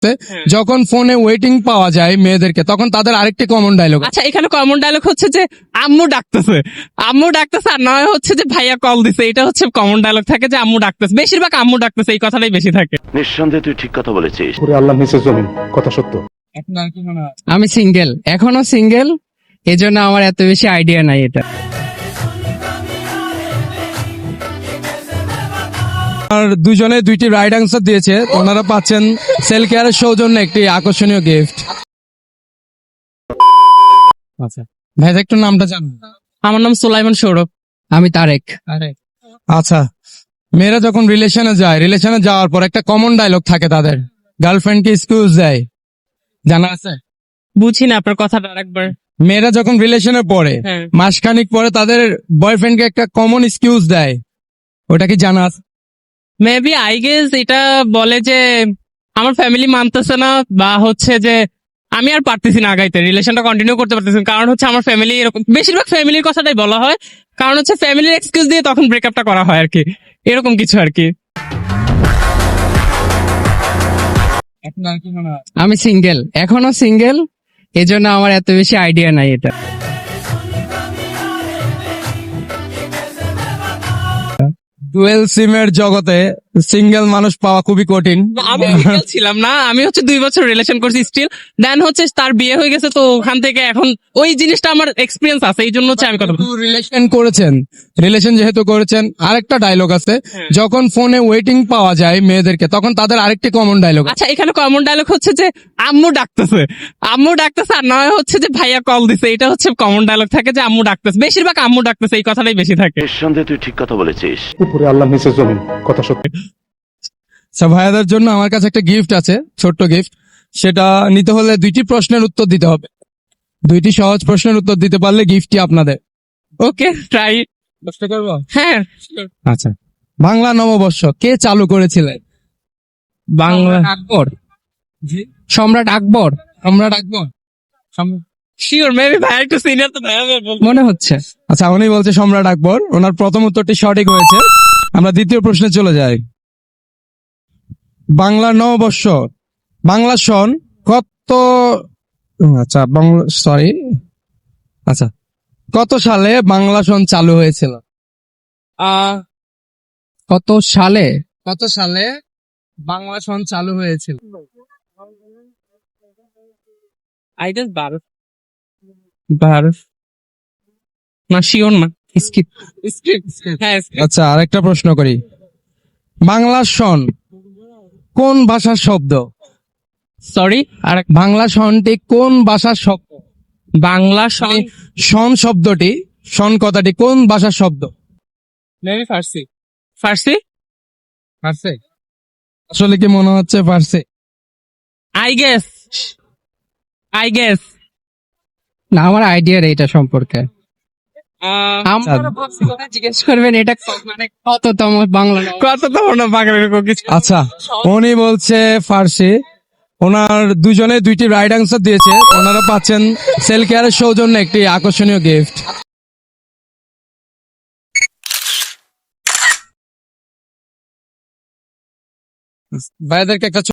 যখন ফোনে ওয়েটিং পাওয়া যায় মেয়েদেরকে তখন তাদের আরেকটি কমন ডায়লগ। আচ্ছা, এখানে কমন ডায়লগ হচ্ছে যে আম্মু ডাকতেছে, আম্মু ডাকতেছে, আর নয় হচ্ছে যে ভাইয়া কল দিছে। এটা হচ্ছে কমন ডায়লগ থাকে যে আম্মু ডাকতেছে, বেশিরভাগ আম্মু ডাকতেছে, এই কথাটাই বেশি থাকে। নিঃসন্দেহে তুই ঠিক কথা বলেছিস। পুরো আল্লাহ নিচের জমিন, কথা সত্য। আমি সিঙ্গেল, এখনো সিঙ্গেল, এজন্য আমার এত বেশি আইডিয়া নাই এটা। আর দুজনে দুইটি রাইট আনসার দিয়েছে, ওনারা পাচ্ছেন সেল কেয়ারের সৌজন্যে একটি আকর্ষণীয় গিফট। আচ্ছা ভাই, একটু নামটা জানুন। আমার নাম সুলাইমান সৌরভ। আমি তারেক। আচ্ছা, মেয়েরা যখন রিলেশনে যাওয়ার পর একটা কমন ডায়লগ থাকে তাদের, গার্লফ্রেন্ডকে এক্সকিউজ দেয়, জানা আছে? বুঝি না আপনার কথাটা আরেকবার। মেয়েরা যখন রিলেশনে পড়ে হ্যাঁ। মাসখানিক পরে তাদের বয়ফ্রেন্ডকে একটা কমন এক্সকিউজ দেয়, ওটা কি জানা আছে? মেবি আই গেস এটা বলে যে আমার ফ্যামিলি মানতেছে না, বা হচ্ছে যে আমি আর পারতেছি না আগাইতে, রিলেশনটা কন্টিনিউ করতে পারতেছি না, কারণ হচ্ছে আমার ফ্যামিলি এরকম, বেশিরভাগ ফ্যামিলির কথাটাই বলা হয়, কারণ হচ্ছে ফ্যামিলির এক্সকিউজ দিয়ে তখন ব্রেকআপটা করা হয় আর কি, এরকম কিছু আর কি। আমি সিঙ্গেল, এখনো সিঙ্গেল, এজন্য আমার এত বেশি আইডিয়া নাই এটা। ডুয়েল সিমের জগতে সিঙ্গেল মানুষ পাওয়া খুবই কঠিন। আমি single ছিলাম না, আমি হচ্ছে 2 বছর রিলেশন করছি স্টিল, দেন হচ্ছে তার বিয়ে হয়ে গেছে, তো ওখান থেকে এখন ওই জিনিসটা আমার এক্সপিরিয়েন্স আছে, এই জন্য হচ্ছে আমি কথা বলছি। রিলেশন যেহেতু করেছেন, আরেকটা ডায়লগ আছে, যখন ফোনে ওয়েটিং পাওয়া যায় মেয়েদেরকে তখন তাদের আরেকটি কমন ডায়লগ। আচ্ছা, এখানে কমন ডায়লগ হচ্ছে যে আম্মু ডাকতেছে, আম্মু ডাকতেছে, আর নয় হচ্ছে যে ভাইয়া কল দিছে। এটা হচ্ছে কমন ডায়লগ থাকে যে আম্মু ডাকতেছে, বেশিরভাগ আম্মু ডাকতেছে, এই কথাটাই বেশি থাকে। নিঃসন্দেহে তুই ঠিক কথা বলেছিস। উপরে আল্লাহ নিচের জমিন, কথা সত্য। ভাইয়াদের জন্য আমার কাছে একটা গিফট আছে, ছোট্ট গিফট। সেটা নিতে হলে 2টি প্রশ্নের উত্তর দিতে হবে। 2টি সহজ প্রশ্নের উত্তর দিতে পারলে গিফটটি আপনাদের। Okay, try. প্রশ্ন করবো? হ্যাঁ, আচ্ছা, বাংলা নববর্ষ কে চালু করেছিলেন? বাংলা আকবর। জি, সম্রাট আকবর সম্রাট আকবর। শিওর, মেবি ভাই একটু সিনিয়র, তো ভাই মনে হচ্ছে। আচ্ছা, উনি বলছে সম্রাট আকবর, ওনার প্রথম উত্তরটি সঠিক হয়েছে। আমরা দ্বিতীয় প্রশ্নে চলে যাই। বাংলা নববর্ষ, বাংলা সন কত, আচ্ছা আচ্ছা, কত সালে বাংলা সন চালু হয়েছিল? কত সালে? কত সালে বাংলা সন চালু হয়েছিল? আই গেস 12 না, শিওর না। স্কিপ। হ্যাঁ, আচ্ছা, আরেকটা প্রশ্ন করি। বাংলা সন কোন ভাষার শব্দ? সরি, আর বাংলা সনটি কোন ভাষার শব্দ? বাংলা সং সন শব্দটি, সন কথাটি কোন ভাষার শব্দ? মেবি ফার্সি। ফার্সি, পারছে? আসলে কি মনে হচ্ছে পারছে? আই গেস না, আমার আইডিয়া নেই এটা সম্পর্কে। আমার ভাবছি কথা জিজ্ঞেস করবেন, এটা মানে কততম বাংলা কত তো না বাংলা কিছু। আচ্ছা, উনি বলছে ফার্সি। ওনার দুজনে 2টি রাইট আনসার দিয়েছে, ওনারা পাচ্ছেন সেল কেয়ারের সৌজন্যে একটি আকর্ষণীয় গিফট। ভাইদেরকে একটা